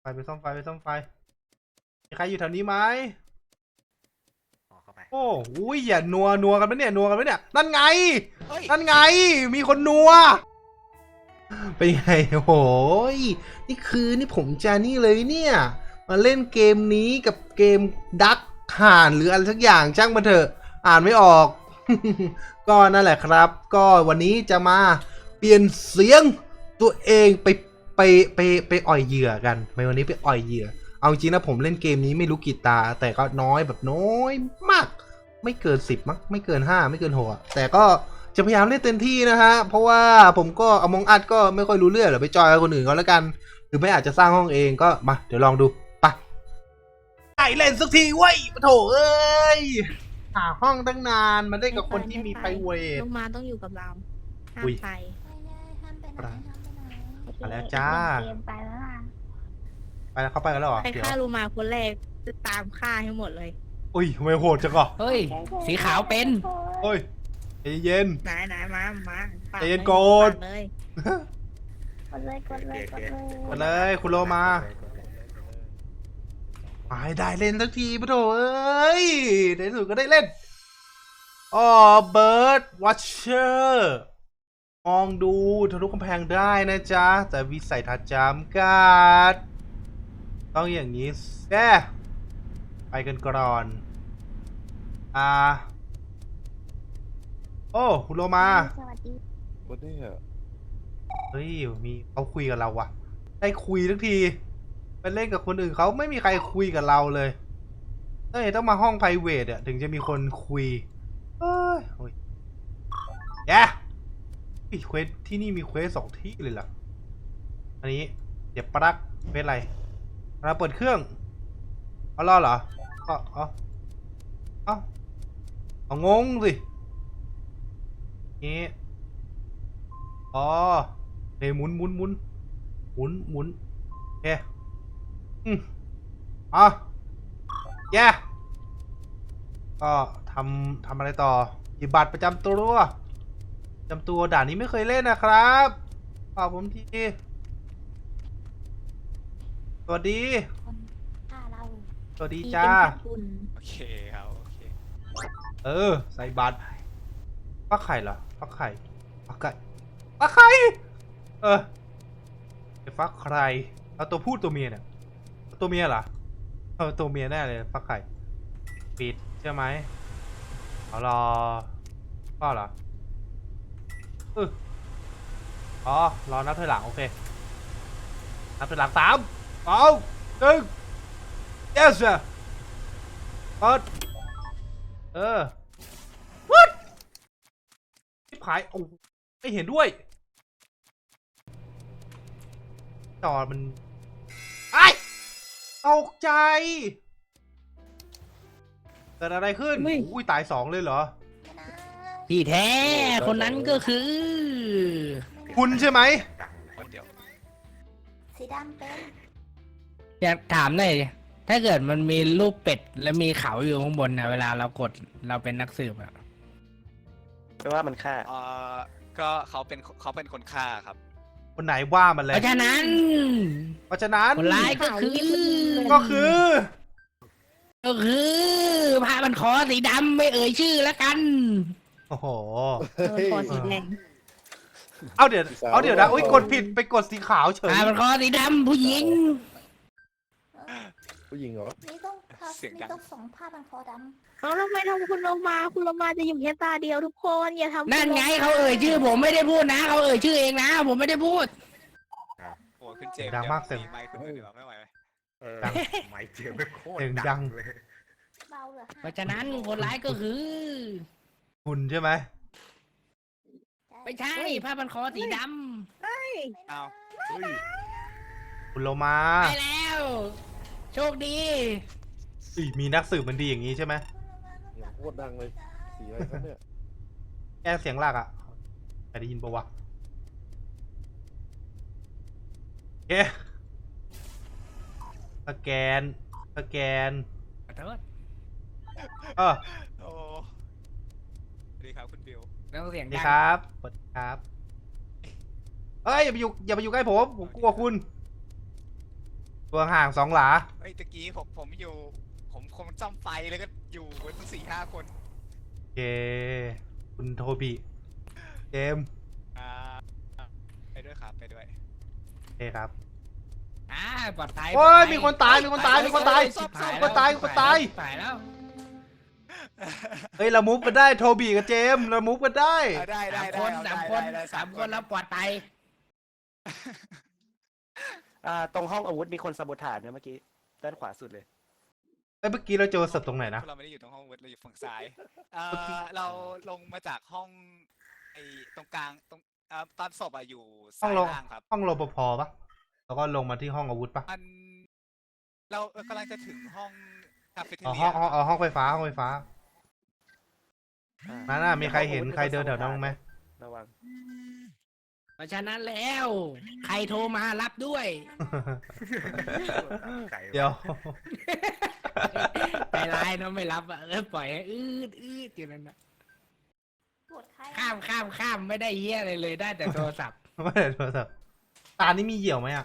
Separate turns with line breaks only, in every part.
ไปซ่อมไฟมีใครอยู่แถวนี้ไหมโอ้อุ้ยอย่านัวกันไหมเนี่ยนั่นไงมีคนนัวเป็นไงโอ้ยนี่ผมจะนี่เลยเนี่ยมาเล่นเกมนี้กับเกมดักห่านหรืออะไรสักอย่างช่างมันเถอะอ่านไม่ออก ก็นั่นแหละครับก็วันนี้จะมาเปลี่ยนเสียงตัวเองไปอ่อยเหยื่อกันวันนี้ไปอ่อยเหยื่อเอาจริงนะผมเล่นเกมนี้ไม่รู้กี่ตาแต่ก็น้อยแบบน้อยมากไม่เกิน10มั้งไม่เกิน5ไม่เกิน6แต่ก็จะพยายามเล่นเต็มที่นะฮะเพราะว่าผมก็อมองอัดก็ไม่ค่อยรู้เรื่องหรอกไปจอยกับคนอื่นก็แล้วกันหรือไม่อาจจะสร้างห้องเองก็มาเดี๋ยวลองดูไปไอเล่นสักทีเว้ยโถเอ้ยหาห้องตั้งนานมาได้กับคนที่มีไพรเวท
ลงมาต้องอยู่กับเราห้ามไป
ไปแล้วจ้า
ไปแล้วล่ะ
ไปแล้วเขาไปกันแล้วเหรอ
ใครฆ่าลูมาคนแรกจะตามฆ่าให้หมดเลย
อุ้ยทำไมโหดจังอ่ะ
เฮ้ย สีขาวเป็น
โอ้ยใจเย็น
ไหนมา
ใจเย็นโกด
เลย
กดเลย
มาเลยคุณโลมาได้เล่นสักทีปะโถเอ้ยในที่สุดก็ได้เล่นอ๋อเบิร์ดวัชเชอร์มองดูทะลุกำแพงได้นะจ๊ะแต่วิสัยทัศน์จำกัดต้องอย่างนี้แซ่ไปกันก่อนโอ้คุณโลมา
สวัสดี
วันนี้อ่ะ
เฮ้ยมีเขาคุยกับเราว่ะได้คุยทั้งทีไปเล่นกับคนอื่นเขาไม่มีใครคุยกับเราเลยต้องมาห้องไพรเวทอ่ะถึงจะมีคนคุยโอ้ยแย่อีเควสที่นี่มีเควส2ที่เลยเหรออันนี้เดี๋ยวปลั๊กเควสอะไรเราเปิดเครื่องเอาล่อเหรอเอางงสินี่เฮ้ยหมุนโอเคแย่ก็ทำอะไรต่อหยิบบัตรประจำตัวด่านนี้ไม่เคยเล่นนะครับขอบผมทีสวัสดีสวัสดีจ้า
โอเคครับโอเค
ใส่บัตรฟักไข่เหรอฟักไข่ฟักไข่ฟักใครเอาตัวผู้ตัวเมียเนี่ยตัวเมียเหรอตัวเมียแน่เลยฟักไข่ปิดใช่ไหมเอารอก็เหรอรอนับถอยหลังโอเคนับถอยหลัง3 2 1 yes sir เปิดwhat ที่ผายโอ้ไม่เห็นด้วยจอมันตกใจเกิดอะไรขึ้นอุ้ยตาย2เลยเหรอ
ที่แท้คนนั้นก็คือ
คุณใช่ไหม
สีดำเป็น
อยากถามหน่อยดิถ้าเกิดมันมีรูปเป็ดแล้วมีเขาอยู่ข้างบนนะเวลาเรากดเราเป็นนักสืบอะ
แปลว่ามันฆ่า
ก็เขาเป็นคนฆ่าครับ
คนไหนว่ามันเลย
เพราะฉะนั้นคนร้ายก็คือผ้ามันคอสีดำไม่เอ่ยชื่อแล้วกัน
โอ้โห
คอสีแดง
เดี๋ยวนะอุ้ยกดผิดไปกดสีขาวเฉย
ผ้ามันคอสีดำผู้หญิง
เหรอ
นี่ต้องสองผ้าพันคอดำ
เอาแล้วทำไมทำคุณลงมาจะอยู่แค่ตาเดียวทุกคนอย่าทำ
นั่นไงเขาเอ่ยชื่อผมไม่ได้พูดนะเขาเอ่ยชื่อเองนะผมไม่ได้พูด
โอ้ขึ้นเจม
ดังมากเสียง
ไมค์ขึ้นเหนือไม่ไหว
ดัง
ไมค์เจมไม่โคตร
ดัง
เลย
เบาเหรอ
เพราะฉะนั้นคนร้ายก็คือ
คุณใช่ไหม
ไม่ใช่ผ้าพันคอสีด
เฮ้ย
เอา
คุณโลมา
ไปแล้วโชคดี
มีนักสืบมันดีอย่างนี้ใช่ไหม
โคตรดังเลยสีอะไรครับเนี่ย
แก้เสียงหลักใครได้ยินปะวะโอเคสแกน
ขอโทษ
โอ้สวัสดีครับคุณบิว
แล้วเสียง
ดีครับสวัสดีครับอย่าไปอยู่ใกล้ผมกลัวคุณตัวห่าง2 หลา
เฮ้ยตะกี้ผมอยู่ ผมคงจ้ำไฟแล้วก็อยู่กันตั้ง4-5 คน
โอเค คุณโทบิเจมส์
อ่าไปด้วยครับไปด้วย
โอเคครับ
ปลอดภัย
โอ้ยมีคนตายมีคนตายมีคนตาย
ชิบห
มีคนตายมีคนตาย
ชิบหายแล้ว
เฮ้ยเรามูฟกันได้โทบีกับเจมส์เรามูฟกันได้
ได้ได้
สามคนสามคนแล้วปลอดภัย
ตรงห้องอาวุธมีคนสมุทฐานเนี่ยเมื่อกี้ด้านขวาสุดเลย
เอ้ยเมื่อกี้เราเจอศพตรงไหนนะ
เราไม่ได้อยู่ตรงห้องเวิร์ดเราอยู่ฝั่งซ้ายเราลงมาจากห้องไอ้ตรงกลางตรงตอนศพอะอยู่
ห้อ
ซ้าง ย
ร
ล่างครับ
ห้องรปภปะแล้วก็ลงมาที่ห้องอาวุธปะ
มันเรากำลังจะถึงห้องคาเฟ่เท
อ๋อ
เรี
ห้
ย
องห้องไฟฟ้าห้องไฟฟ้านั่นน่ะมีใครเห็นใครเดินแถวนั้นบ้างไหม
ระวัง
เพราะฉะนั้นแล้ว ใครโทรมารับด้วย
เดี๋ยว
ใจร้ายเนอะไม่รับอ่ะปล่อยให้อืดอยู่นั่นนะ
ปวดใคร
ข้ามไม่ได้เหี้ยอะไรเลยได้แต่โทรศัพท์
ไม่ได้โทรศัพท์ตานี่มีเหยี่ยวไหมอ่ะ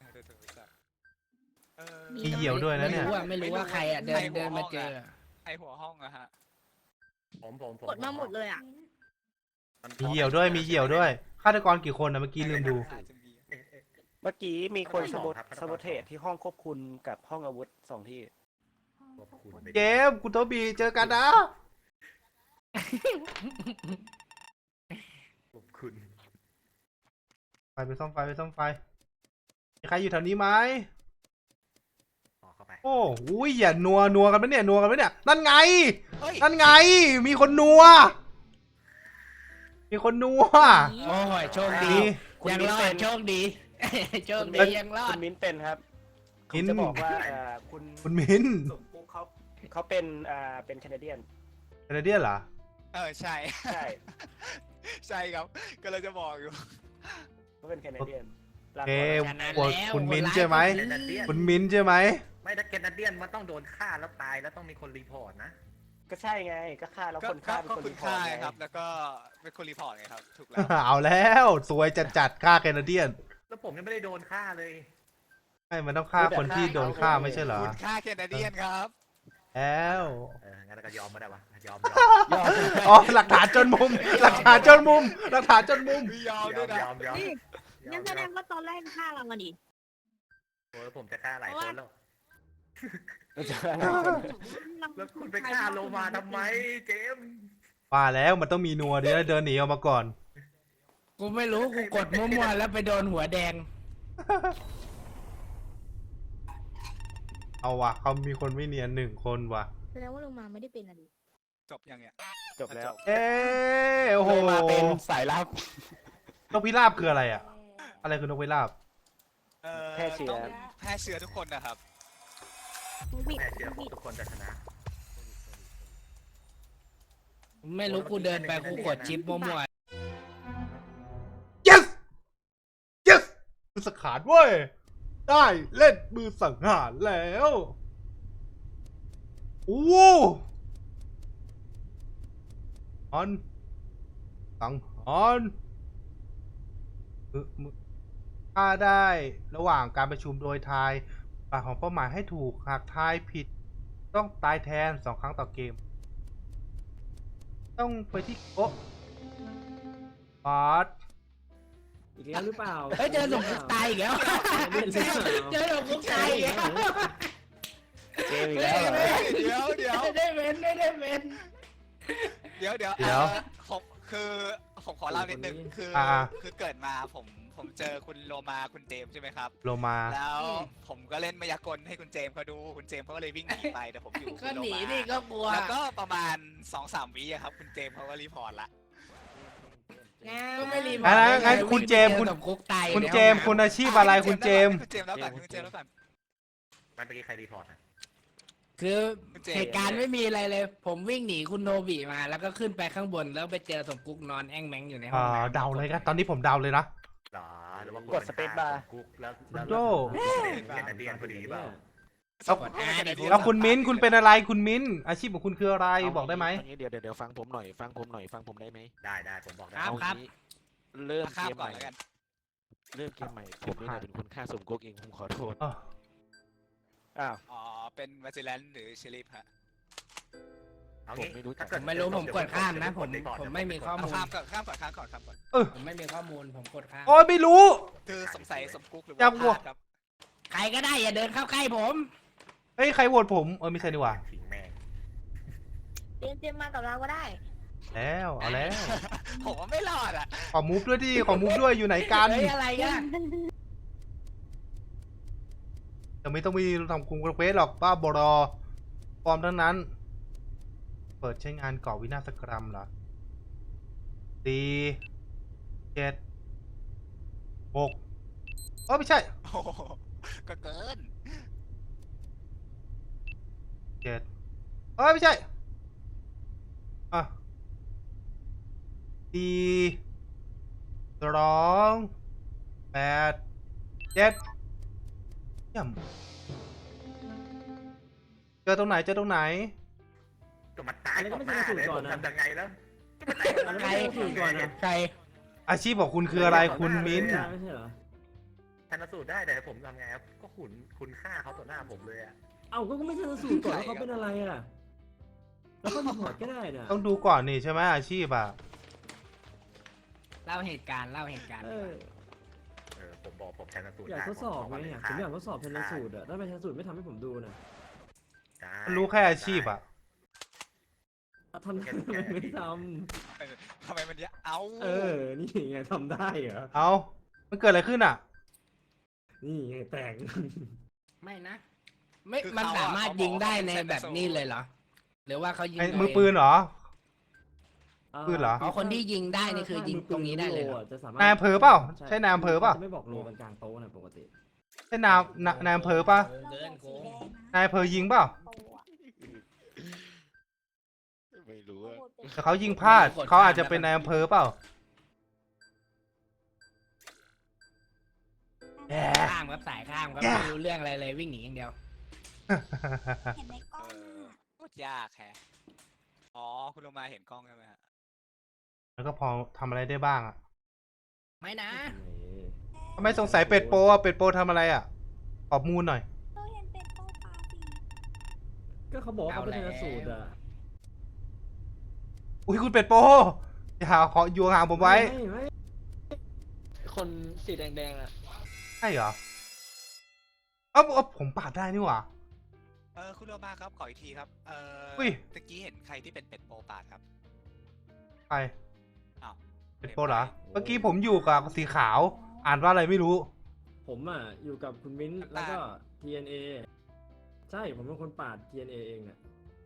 มีเหยี่ยวด้วยนะเนี่ย
ไม่รู้ว่าใครอ่ะเดินมาเจอ
ไอหัวห้องอะฮะ
ผม
กดมาหมดเลยอ่ะ
มีเหยี่ยวด้วยมีเหยี่ยวด้วยฆาตกรกี่คนนะเมื่อกี้ลืมดู
อาจจะมี
เมื่อกี้มีคนสมุทเทศที่ห้องควบคุมกับห้องอาวุธ2 ที่
เจมส์คุณโทบีเจอกันนะ
ขอบคุณ
ไปซ่อมไฟมีใครอยู่แถวนี้ไหม
เข้าไป
โอ้ยอย่านัวกันไหมเนี่ยนั่นไง
เฮ้ย
นั่นไง มีคนนัว มีคนนัว
โอ้ยโชคดี
คุณ
ยัง
มิ้น
รอ
เป็
ด
น
โชคดีโชคดียังรอ
คุ
ด
ณมิ้นเป็นครับ
มิ้น
จะบอกว่าคุณ
คุณมิ้น
สมปุ๊กเขาเป็นแคนาเดียน
แคนาเดียนเหรอ
ใช่
ใช่
ใช่ครับก็เลยจะบอกอยู่
เขาเป็นแคนาเดียน
โอเค
ฉะนั้น
ปวด
แล้ว
คุณมิ้น
คนร้าย
ใช่ไหม
ก็คือ
คุณมิ้นใช่ไหม
ไม่ถ้าแคนาเดียนมันต้องโดนฆ่าแล้วตายแล้วต้องมีคนรีพอร์ตนะ
ก็ใช่ไงก็ฆ่าแล้วคนฆ่าเป็น
ก็
คน
คุ
รี
ณ
พอร์
ค่า
ตไง
ครับ แล้วก็เป็นคนรีพอร์ตไงครับ ถูกแล้ว
เอาแล้วสวยจัดฆ่าแคนาเดียน
แล้วผมยังไม่ได้โดนฆ่าเลย
ไม่มันต้องฆ่าคนที่โดนฆ่าไม่ใช่เหรอ
คุณค่าแคนาเดียนครับ
แล้ว
งั้นก็ยอมไม่ได้วะยอม
อ๋อหลักฐานจนมุม หลักฐานจนมุม
ไม่ยอมด้วยนะ
นี่งั้นแสดงว่าตอนแรกฆ่าเรามาดิ
โอ้ยผมจะฆ่าหลายคนแล้ว แล้วคุณไปฆ่าโลมาทำไมเจมส์
ว่าแล้วมันต้องมีนัวเดี๋ยวเดินหนีออกมาก่อน
กูไม่รู้กูกดมั่วๆแล้วไปโดนหัวแดง
เอาว่ะเขามีคนไม่เนียน1 คนว่ะ
แสดงว่าลงมาไม่ได้เป็นอะดิ
จบยังเนี่ย
จบแล้ว
เอ้โอ้โห
มาเป็นสายลับ
นกพิราบคืออะไรอ่ะ อะไรคือนกพิราบ
แพร่เชื้อ
ต้องแพร่เชื้อทุกคนนะครับ
วิด
แม่เชื่อผม
วิด
ทุกคนจะชนะ
ไม่รู้กูเดินไปกูกดชิปมั่ว
yes yes มือสังหารเว้ย ได้เล่นมือสังหารแล้วโอ้อันสังหารถ้าได้ระหว่างการประชุมโดยทายปากของเป้าหมายให้ถูกหากทายผิด ต้องตายแทน2 ครั้งต่อเกม ต้องไปที่โอ๊ะบาส
อีกแล้วหรือเปล่า
ๆเฮ้ยเจอหลงคุกตายอีกแล้ว เจอหลงคุกตายอีกแล้ว
เจมส์อีกแล้วเหรอ
เดี๋ยว
ไม่ได้เป็นไม่ได้เป็น
เดี๋ยวผมคือผมขอเล่านิดนึงคือเกิดมาผมเจอคุณโลมาคุณเจมส์ใช่ไหมครับ
โลมา
แล้วผมก็เล่นมายากลให้คุณเจมส์เขาดูคุณเจมส์เขาก็เลยวิ่งหนีไปแต่ผมอยู่กับ
ก็
คุณโล
หนี
มา
นี่ก็กลัว
แล้วก็ประมาณ 2-3 วิอะครับคุณเจมส์เขาก็รีพอร์ตละ
ก็ไม่รีบ
งั้นคุณเจมส์คุณ
หลงคุกตาย
คุณเจมส์คุณอาชีพอะไรคุณเจมส์
คุณเจมส์แล้วกันคุณเจมส์แล้วกัน
มันเมื่อกี้ใครรีพอร์ตอะ
คือเหตุการณ์ไม่มีอะไรเลย ผมวิ่งหนีคุณโนบิมา แล้วก็ขึ้นไปข้างบนแล้วไปเจอสมกุ๊กนอนแอ่งแมงอยู่ในห้องน้ำ
เดาเลยครับตอนนี้ผมเดาเลยนะ
หรอหรือว่าก
ดสเปซบาร์
กุ๊กแล้ว
คุณโจ้
แคนาเดียนพอดีเปล่า
แล้วคุณมิ้นคุณเป็นอะไรคุณมิ้นอาชีพของคุณคืออะไรบอกได้ไหม
เางี้เดี๋ยวฟังผมหน่อยฟังผมได้ไหม
ได้ผมบอกได้
ครับ
เอางี้เริ่ม
ข้า
เก
ม
ม
ก่อน
ใหม่
แล้วกัน
เริ่มเกมใหม่ผมนี่แหละเป็นคนฆ่าสมก๊กเองผมขอโทษ
อ๋อ
อ้าว
อ๋อเป็นวาซิแลนหรือเชลิฟฮะ
เอา
ผม
งี้
ไม่รู้จัก
ถ้าเกิด
ผมไม่รู้ผมกดข้ามนะผมไม่มีข้อมูล
ข้ามก่อนข้ามก่อนข้ามก่อนข้ามก่อน
ผมไม่มีข้อมูลผมกดข้าม
โอ้ยไม่รู้
คือสงสัยสมกุ๊กหรือ
จั
ว่า
บ
พ
หัว
ลาดครับ
ใครก็ได้อย่าเดินเข้าใกล้ผม
เฮ้ยใครโหวตผมไม่ใช่ดีกว่า
สิงแม่ง
เจมส์มากับเราก็ได้
แล้วเอาแล้ว
ผมว่าไม่รอดอ่ะ
ขอมูฟด้วยดิขอมูฟด้วยอยู่ไหนกัน
เฮ้ยอะไรกัน
จะไม่ต้องมีทำกรุงกระเวสหรอกบ้าบอปลอมทั้งนั้น เปิดใช้งานก่อวินาศกรรมเหรอ4 7 6ไม่ใช่
โอ้โหก็เกิน
7ไม่ใช่อ่ะ4 2 8 7เยี่ยมเจอตรงไหนเจอตรงไหน
ก็มาตายต่อหน้าเลยผมทำยังไงแล้ว
ใครถูกก่อนนะ
ใคร
อาชีพของคุณคืออะไรคุณมิ้น
ไม่ใช่เหรอ
ชันสูตรได้แต่ผมทำไงครับก็คุณฆ่าเขาต่อหน้าผมเลยอะ
เอ้าก็ไม่ชันสูตรก่อนว่าเขาเป็นอะไรอ่ะ แล้วก็รีพอร์ตก็ได้นะ
ต้องดูก่อนนี่ใช่ไหมอาชีพอ่ะ
เล่าเหตุการณ์เล่าเหตุการณ์
เออ
ผมบอกผมชันสูตร
อยากทดสอบไงเนี่ยผมอยากทดสอบชันสูตรอ่ะถ้าเป็นชันสูตรไม่ทำให้ผมดูนะ
รู้แค่อาชีพอ่ะ
ทำได้ทำไมไม่ท
ทำไมมันเยอะเอา
ำเออ นี่ไงทำได้เหรอ
เอามันเกิดอะไรขึ้นอ่ะ
นี่ไงแต่ง
ไม่นะ ไม่มันสามารถยิงได้ในแบบนี้เลยเหรอ หรือว่าเขายิง
ไอ้
ตัว
มือ
เง
ปืนเหรอ ปืนเหรอ
อ๋อคนที่ยิงได้นี่คือยิงตรงนี้ได้เลยเหรอ
จะสามารถ
นายอำเภอเปล่าใช่นายอำเภอเปล่า
จะไม่บอกโลกันกลางโต๊ะนะปกติ
ใช่นายอำเภอป่ะ
เกินโกง
นายอำเภอยิงเปล่า
ไม่รู้อะ
แต่เขายิงพลาดเขาอาจจะเป็นนายอำเภอเปล่าแหม
ข้ามครับสายข้ามครับ
แย่
ไม่รู้เรื่องอะไรเลยวิ่งหนีอย่างเดียว
เห็นในกล้อง
โคตรยากแฮะอ๋อคุณลงมาเห็นกล้องใช่ไหมฮะ
แล้วก็พอทำอะไรได้บ้างอ่ะ
ไม่นะ
ทำไมสงสัยเป็ดโปอ่ะเป็ดโปทำอะไรอ่ะขอบมูลหน่อย
เราเห็นเป็นโต๊ะปาร์ตี้
ก็เขาบอกว่าเขาเป็นชันสูตรอ่ะ
อุ้ยคุณเป็ดโปอย่าขออยู่ห่างผมไว้
ไม่
คนสีแดงๆอ่ะ
ใช่เหรอเอาผมปาดได้นี่หว่า
คุณโลมาครับขออีกทีครับ
อุ้ย
ตะกี้เห็นใครที่เป็นเป็ดโปปาดครับ
ใคร
อ้าว
เป็ดโปเหรอเมื่อกี้ผมอยู่กับสีขาว อ่านว่าอะไรไม่รู้
ผมอ่ะอยู่กับคุณมิ้นท์แล้วก็ TNA ใช่ผมเป็นคนปาด TNA เองเนี่ย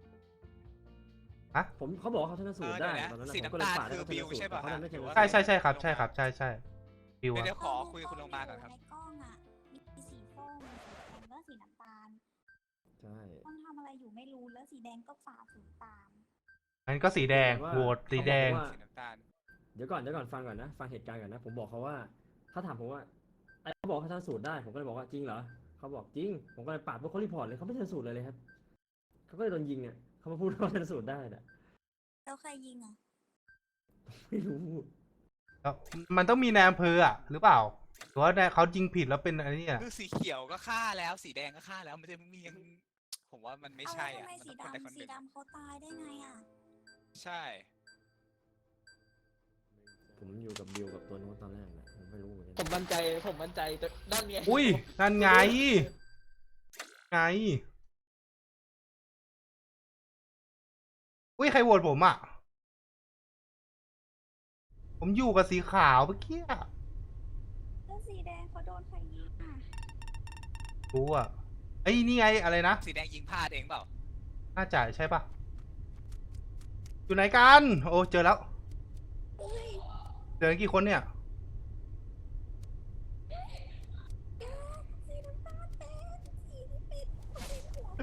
ฮะ
ผมเขาบอกว่าเขาชนะสูตรได้
เดี๋ยวนะ
ตอนนั้น
สี
ผมก็เลย
น้ำตาล
ปาดให้
คือ
เขาช
บิว
นะสูตร
ใช่ป่ะ
เขาทำได้ชนะสูตร
ใช่ครับใช่ครับใช่ใช่ฟิวอะ
เดี๋ยวขอคุยกับคุณโลมาก่อนครับ
ในกล้องอ่ะ มีสีส้มสีแดงแล้วสีน้ำตาล
ใช่
ต้องทำอะไรอยู่ไม่รู้แล้วสีแดงก็ฝ่าฝืนตาม
งั้นก็สีแดงโหวตสีแดง
สีน้ำตาล
เดี๋ยวก่อนฟังก่อนนะฟังเหตุการณ์ก่อนนะผมบอกเขาว่าเขาถามผมว่าไอ้เขาบอกเขาชนะสูตรได้ผมก็เลยบอกว่าจริงเหรอเขาบอกจริงผมก็เลยปาดพวกเขารีพอร์ตเลยเขาไม่ชนะสูตรเลยครับเขาก็เลยโดนยิงอ่ะเขามาพูดว่าเขาชนะสูตรได้น่ะ
แล้วใครยิงอ่ะ
ไม่รู้
แล้วมันต้องมีนายอำเภออ่ะหรือเปล่าหรือว่าเขายิงผิดแล้วเป็นอะไรเนี่ย
คือสีเขียวก็ฆ่าแล้วสีแดงก็ฆ่าแล้วมันจะมียังผมว่ามันไม่ใช่
เอา
อ่ะ
แล้วทำไม
มันต้องคนใดคนห
สี
นึ่ง
ดำเขาตายได้ไงอ่ะ
ใช่
ผมอยู่กับบิวกับตัวนู้นตอนแรกนะผมไม่รู้เหมือน
ผ
กัน
มมั่นใจแต่ด้านไง
อุ้ยนั่นไงอุ้ยใครโหวตผมอ่ะผมอยู่กับสีขาวเมื่อกี้อะ
แล้วสีแดงเขาโดนใครยิงอ่ะ
รู้อ่ะไอ้ยนี่ไงอะไรนะ
สีแดงยิงพลาดเองเปล่า
น่าจ่ายใช่ปะอยู่ไหนกันโอ้เจอแล้วเจอกี่คนเนี่ย
สีน้ำตาลเป็นสีที่เป็นหัว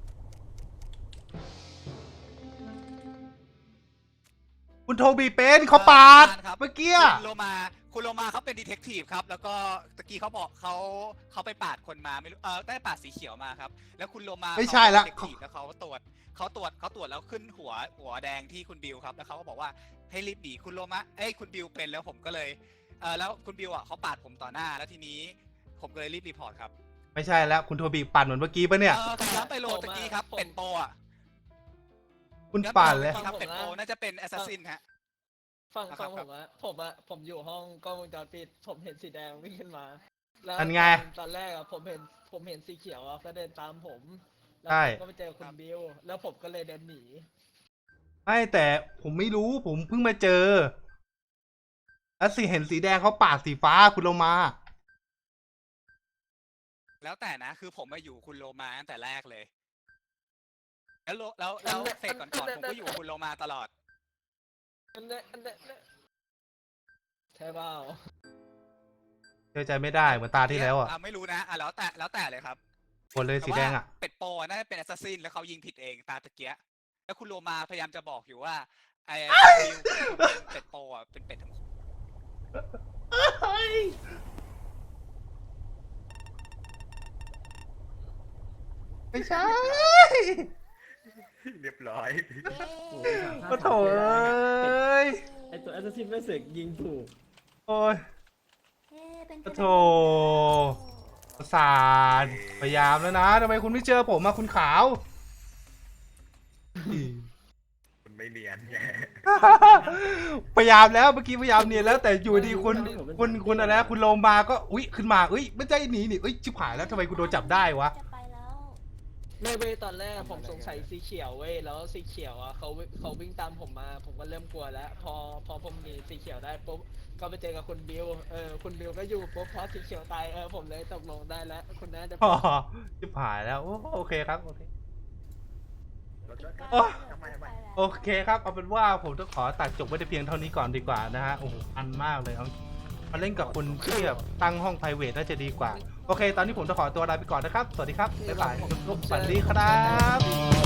คุณโทบีเป็นเขาปาด
ครับ
เมื่อกี้
คุณโลมาเขาเป็นดีเทคทีฟครับแล้วก็ตะกี้เขาบอกเขาไปปาดคนมาไม่รู้ได้ปาดสีเขียวมาครับแล้วคุณโลมา
ไม่ใช่ละ
เขาเป็น detective แล้วเขาตรวจแล้วขึ้นหัวแดงที่คุณบิวครับแล้วเขาก็บอกว่าให้รีบหนีคุณโลมาคุณบิวเป็นแล้วผมก็เลยแล้วคุณบิวอ่ะเขาปาดผมต่อหน้าแล้วทีนี้ผมก็เลยรีบรีพอร์ตครับ
ไม่ใช่แล้วคุณโทบีปั่นเหมือนเมื่อกี้ปะเนี่ย
ผมย้ำไปโลตะกี้ครับ เป็ดโปอ่ะ
คุณปั่นเลย
ครับเป็ดโปน่าจะเป็นแอสซัสซินฮะ
ฟัง
ครับ
ผมอยู่ห้องกล้องวงจรปิดผมเห็นสีแดงวิ่งขึ้นมาแล้ว
อันไง
ตอนแรกอะผมเห็นสีเขียวอะก็เดินตามผมแล้ว
ใช่
ผมก็ไปเจอคุณบิวแล้วผมก็เลยเดินหนี
ไม่แต่ผมไม่รู้ผมเพิ่งมาเจอแล้วเห็นสีแดงเขาปากสีฟ้าคุณโลมา
แล้วแต่นะ คือผมมาอยู่คุณโลมาตั้งแต่แรกเลย แล้วเฟสก่อนๆผมก็อยู่คุณโลมาตลอด
อันเนี้ยใช่เปล่า
เชื่อใจไม่ได้เหมือนตาที่แล้วอ่ะ
ไม่รู้นะแล้วแต่เลยครับ
คนเลยสีแดงอ่ะ
เป็ดโปน่าจะเป็นแอสซัสซินแล้วเขายิงผิดเองตาตะเกียะแล้วคุณโลมาพยายามจะบอกอยู่ว่าไอ้เป็ดโปอ่ะเป็นเป็ดทั้งคู่
ไม่ใช่
เรียบร้อย
โอ้ย
ก็โถเอ้ย
ไอตัวแอสซัสซินไม่เสกยิงถูก
โอ้ย
เอ๊ะเป็น
ก็โถประสาทพยายามแล้วนะทำไมคุณไม่เจอผมมาคุณขาว
มันไม่เนียนไง
พยายามแล้วเมื่อกี้พยายามเนียนแล้วแต่อยู่ดีคุณอะไรนะคุณโลมาก็อุ๊ยขึ้นมาเอ้ยไม่ใช่หนีนี่เอ้ยชิบหายแล้วทำไมคุณโดนจับได้วะ
จะไปแล้ว
ไม่เว้ยตอนแรกผมสงสัยสีเขียวเว้ยแล้วสีเขียวอ่ะเขาวิ่งตามผมมา ผมก็เริ่มกลัวแล้ว พอผมหนีสีเขียวได้ปุ๊บก็ไปเจอกับคุณบิวคุณบิวก็อยู่ปุ๊บพอสีเขียวตายผมเลยตกลงได้แล้วคุณน่าจะ
อ๋อชิบหายแล้วโอเคครับโอเค
แล้วก็
โอ้
ทำไม
โอเคครับเอาเป็นว่าผมต้องขอตัดจบไว้แต่เพียงเท่านี้ก่อนดีกว่านะฮะโอ้โหอันมากเลยเอามาเล่นกับคุณที่แบบตั้งห้อง private น่าจะดีกว่าโอเค ตอนนี้ผมต้องขอตัวลาไปก่อนนะครับสวัสดีครับบ๊ายบายทุกๆสวัสดีครับ